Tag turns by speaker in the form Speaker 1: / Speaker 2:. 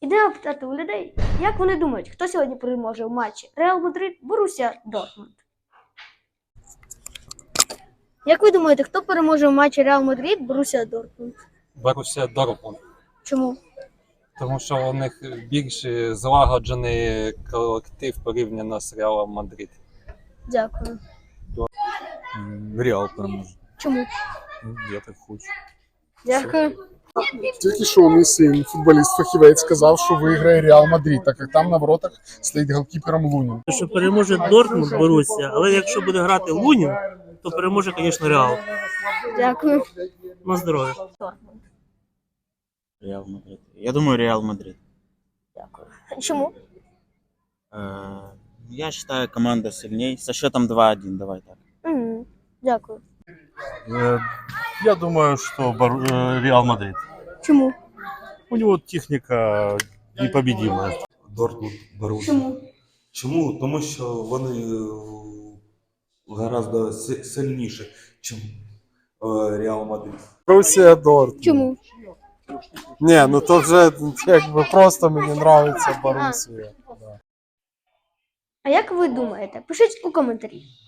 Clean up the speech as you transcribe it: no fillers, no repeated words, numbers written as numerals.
Speaker 1: Ідемо питати у людей, як вони думають, хто сьогодні переможе в матчі Реал Мадрид, Борусія, Дортмунд. Як ви думаєте, хто переможе в матчі Реал Мадрид, Борусія, Дортмунд?
Speaker 2: Борусія Дортмунд.
Speaker 1: Чому?
Speaker 2: Тому що у них більш злагоджений колектив порівняно з Реалом Мадрид.
Speaker 1: Дякую.
Speaker 3: Реал переможе.
Speaker 1: Чому?
Speaker 3: Я так хочу.
Speaker 1: Дякую.
Speaker 4: Тільки що мій син, футболіст-фахівець, сказав, що виграє Реал Мадрид, так як там на воротах стоїть голкіпером Лунін.
Speaker 5: Що переможе Дортмунд, Борусія, але якщо буде грати Лунін, то переможе, звісно, Реал.
Speaker 1: Дякую.
Speaker 5: На здоров'я.
Speaker 1: Дортмунд.
Speaker 6: Реал Мадрид. Я думаю, Реал Мадрид.
Speaker 1: Дякую. Чому?
Speaker 6: Я считаю, команда сильнее. Со счетом 2-1, давай так.
Speaker 1: Дякую.
Speaker 3: Я думаю, что Реал Мадрид.
Speaker 1: Чому?
Speaker 3: У него техника непобедимая.
Speaker 7: Дортмунд, Борусsia.
Speaker 1: Чому?
Speaker 7: Чому? Тому що вони гораздо сильніші, ніж Реал Мадрид.
Speaker 4: Борусія Дортмунд.
Speaker 1: Чому?
Speaker 4: Ні, ну то вже якби просто мені подобається Борусія.
Speaker 1: А як ви думаєте? Пишіть у коментарі.